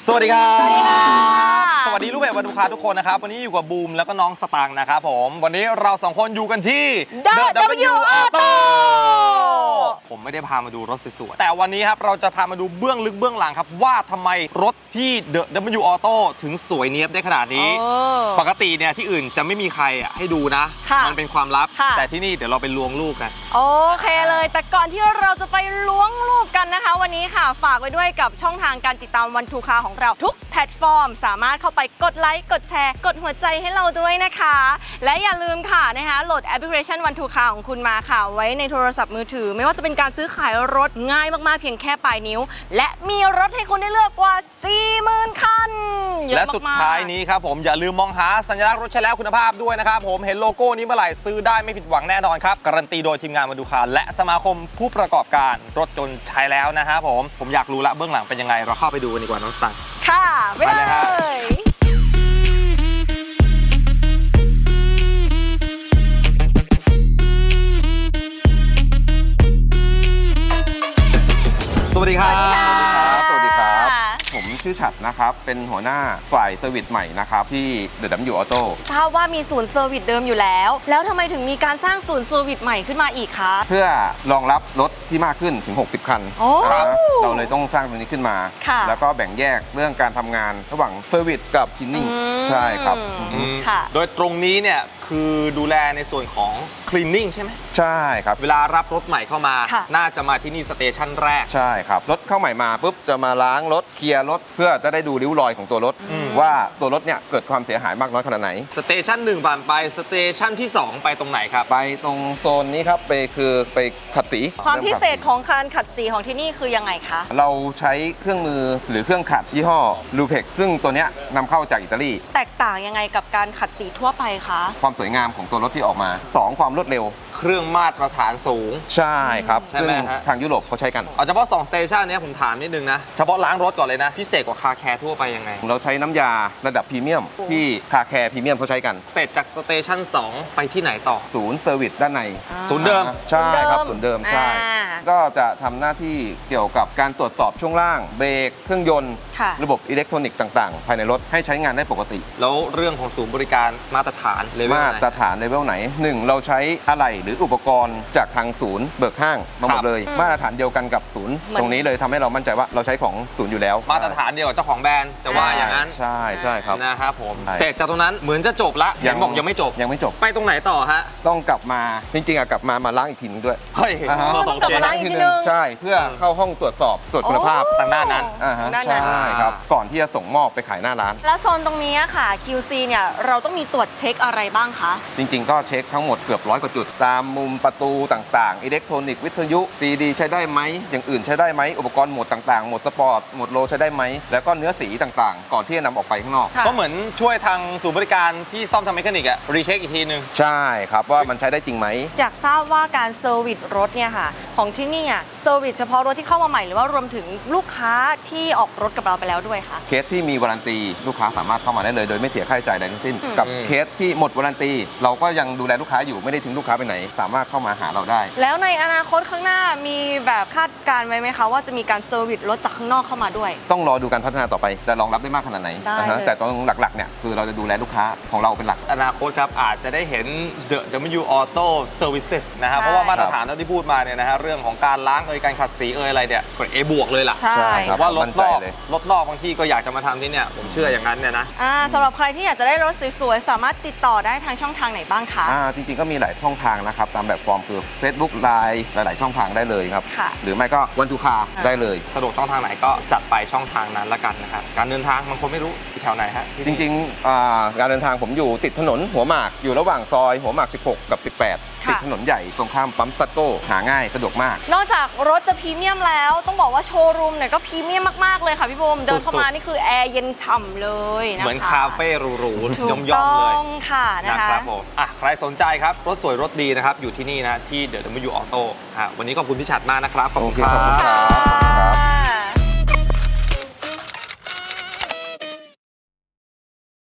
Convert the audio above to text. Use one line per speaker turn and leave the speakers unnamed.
สวัสดีครับ
สวัสดีค่ะ
สวัสดีลูกเพจวันดูคาทุกคนนะครับวันนี้อยู่กับบูมแล้วก็น้องสตางค์นะครับผมวันนี้เราสองคนอยู่กันที่
The W Auto
ผมไม่ได้พามาดูรถสวยๆแต่วันนี้ครับเราจะพามาดูเบื้องลึกเบื้องหลังครับว่าทำไมรถที่ The W Auto ถึงสวยเนี๊ยบได้ขนาดนี้ปกติเนี่ยที่อื่นจะไม่มีใครให้ดูนะมันเป็นความลับแต่ที่นี่เดี๋ยวเราไปล้วงลูกกัน
โอเคเลยแต่ก่อนที่เราจะไปล้วงลูกกันนะคะวันนี้ค่ะฝากไว้ด้วยกับช่องทางการติดตามวันทูคาของเราทุกแพลตฟอร์มสามารถเข้าไปกดไลค์กดแชร์กดหัวใจให้เราด้วยนะคะและอย่าลืมค่ะนะคะโหลดแอปพลิเคชันวันทูคาของคุณมาค่ะไว้ในโทรศัพท์มือถือไม่ว่าจะเป็นการซื้อขายรถง่ายมากๆเพียงแค่ปลายนิ้วและมีรถให้คุณได้เลือกกว่า 40,000 คัน
และสุดท้ายนี้ครับผมอย่าลืมมองหาสัญลักษณ์รถใช้แล้วคุณภาพด้วยนะครับผมเห็นโลโก้นี้เมื่อไหร่ซื้อได้ไม่ผิดหวังแน่นอนครับการันตีโดยทีมงานวันดูคาและสมาคมผู้ประกอบการรถยนต์ใช้แล้วนะครับผมอยากรู้ละเบื้องหลังเป็นยังไงเราเข้าไปดูกันดีกว่าน้องสตางค์
ค่ะไปเลย
สวัสดีครับ
สวัสดีครับผมชื่อฉัตรนะครับเป็นหัวหน้าฝ่ายเซอร์วิสใหม่นะครับที่ The W Auto
ทราบว่ามีศูนย์เซอร์วิสเดิมอยู่แล้วทำไมถึงมีการสร้างศูนย์เซอร์วิสใหม่ขึ้นมาอีกคะ
เพื่อรองรับรถที่มากขึ้นถึง60 คันเราเลยต้องสร้างตรงนี้ขึ้นมาแล้วก็แบ่งแยกเรื่องการทำงานระหว่างเซอร์วิสกับคลีนนิ่งใช่ครับ
โดยตรงนี้เนี่ยคือดูแลในส่วนของคลีนนิ่งใช่ไหม
ใช่ครับ
เวลารับรถใหม่เข้ามาน่าจะมาที่นี่สเตชันแรก
ใช่ครับรถเข้าใหม่มาปุ๊บจะมาล้างรถเคลียร์รถเพื่อจะได้ดูริ้วรอยของตัวรถว่าตัวรถเนี่ยเกิดความเสียหายมากน้อยขนาดไหน
สเตชัน1ผ่านไปสเตชันที่2ไปตรงไหนครับ
ไปตรงโซนนี้ครับไปขัดสี
ความพิเศษของการขัดสีของที่นี่คือยังไงคะ
เราใช้เครื่องมือหรือเครื่องขัดยี่ห้อลูเพ็กซึ่งตัวเนี้ยนำเข้าจากอิตาลี
แตกต่างยังไงกับการขัดสีทั่วไปคะ
ความสวยงามของตัวรถที่ออกมา2ความรวดเร็ว
เครื่องมาตรฐานสูง
ใช่ครับ
ใช่ไหมฮะ
ทางยุโรปเขาใช้กัน
เอาเฉพาะ2สเตชันนี้ผมถามนิดนึงนะเฉพาะล้างรถก่อนเลยนะพิเศษกว่าคาแคร์ทั่วไปยังไง
เราใช้น้ำยาระดับพรีเมียมที่คาแคร์พรีเมียมเขาใช้กัน
เสร็จจากสเตชัน2ไปที่ไหนต่อ
ศูนย์เซอร์วิสด้านใน
ศูนย์เดิม
ใช่ครับศูนย์เดิมใช่ก็จะทำหน้าที่เกี่ยวกับการตรวจสอบช่วงล่างเบรกเครื่องยนต์ระบบอิเล็กทรอนิกส์ต่างๆภายในรถให้ใช้งานได้ปกติ
แล้วเรื่องของศูนย์บริการมาตรฐานเลเวลไหน
มาตรฐานเลเวลไหน1เราใช้อะไหล่หรืออุปกรณ์จากทางศูนย์เบิกห้างมาหมดเลยมาตรฐานเดียวกันกับศูนย์ตรงนี้เลยทำให้เรามั่นใจว่าเราใช้ของศูนย์อยู่แล้ว
มาตรฐานเดียวกับเจ้าของแบรนด์จะว่าอย่างนั้น
ใช่ครับ
นะครับผมเสร็จจากตรงนั้นเหมือนจะจบละยังบอกยังไม่จบไปตรงไหนต่อฮะ
ต้องกลับมาจริงๆกลับมาล้างอีกทีนึงด้วย
เฮ้ย
ต้องกลับมาล้างอีกทีนึง
ใช่เพื่อเข้าห้องตรวจสอบตรวจคุณภาพ
ทางด้านนั้น
ใช่ครับก่อนที่จะส่งมอบไปขายหน้าร้าน
แล้วโซนตรงนี้ค่ะ QC เนี่ยเราต้องมีตรวจเช็คอะไรบ้างคะ
จริงๆก็เช็คทั้งหมดเกือบ100 กว่าจุดตามมุมประตูต่างๆอิเล็กทรอนิกส์วิทยุ CD ใช้ได้ไหมอย่างอื่นใช้ได้ไหมอุปกรณ์โหมดต่างๆโหมดสปอร์ตโหมดโลใช้ได้ไหมแล้วก็เนื้อสีต่างๆก่อนที่จะนำออกไปข้างนอก
ก็เหมือนช่วยทางศูนย์บริการที่ซ่อมทำเมคานิกอะรีเช็คอีกทีนึง
ใช่ครับว่ามันใช้ได้จริงไหม
อยากทราบว่าการเซอร์วิสรถเนี่ยค่ะของที่นี่เซอร์วิสเฉพาะรถที่เข้ามาใหม่หรือว่ารวมถึงลูกค้าที่ออกรถกับเราไปแล้วด้วยคะ
เคสที่มีวารันตีลูกค้าสามารถเข้ามาได้เลยโดยไม่เสียค่าใช้จ่ายใดทั้งสิ้นกับเคสที่หมดวารันตีเราก็ยังดูแลลูกค้าอยู่ไม่ได้ทิ้งลูกค้าไปไหนสามารถเข้ามาหาเราได้
แล้วในอนาคตข้างหน้ามีแบบคาดการณ์ไว้ไหมคะว่าจะมีการเซอร์วิสรถจากข้างนอกเข้ามาด้วย
ต้องรอดูการพัฒนาต่อไปจะรองรับได้มากขนาดไหนแต่ตอนหลักๆเนี่ยคือเราจะดูแลลูกค้าของเราเป็นหลัก
อนาคตครับอาจจะได้เห็น The W Auto Services นะครับเพราะว่ามาตรฐานที่พูดมาเนี่ยนะฮะเรื่องของการล้างการขัดสีอะไรเนี่ยกด A บวกเลยล่ะ
ใช่
ว่ารถนอกบางที่ก็อยากจะมาทำที่เนี่ยผมเชื่ออย่างนั้นเนี่ยนะ
สำหรับใครที่อยากจะได้รถสวยๆสามารถติดต่อได้ทางช่องทางไหนบ้างคะ
จริงๆก็มีหลายช่องทางนะครับตามแบบฟอร์มคือ Facebook Line หลายๆช่องทางได้เลยครับหรือไม่ก็วันทูคาได้เลย
สะดวกช่องทางไหนก็จัดไปช่องทางนั้นละกันนะครับการเดินทางบางคนไม่รู้อยู่แถวไหนฮะ
จริงๆการเดินทางผมอยู่ติดถนนหัวหมากอยู่ระหว่างซอยหัวหมาก16กับ18ติดถนนใหญ่ตรงข้ามปั๊มซัตโก้หาง่ายสะดวกมาก
นอกจากรถจะพรีเมียมแล้วต้องบอกว่าโชว์รูมเนี่ยก็พรีเมียมมากๆเลยค่ะพี่บูมเดินเข้ามานี่คือแอร์เย็นฉ่ำเลยนะคะ
เหมือนคาเฟ่หรูๆย่อมๆเลย
ค่ะ
นะครับผมใครสนใจครับรถสวยรถดีนะครับอยู่ที่นี่นะที่ The W Auto วันนี้ขอบคุณพี่ฉัตรมากนะครับ
ขอบคุณครับ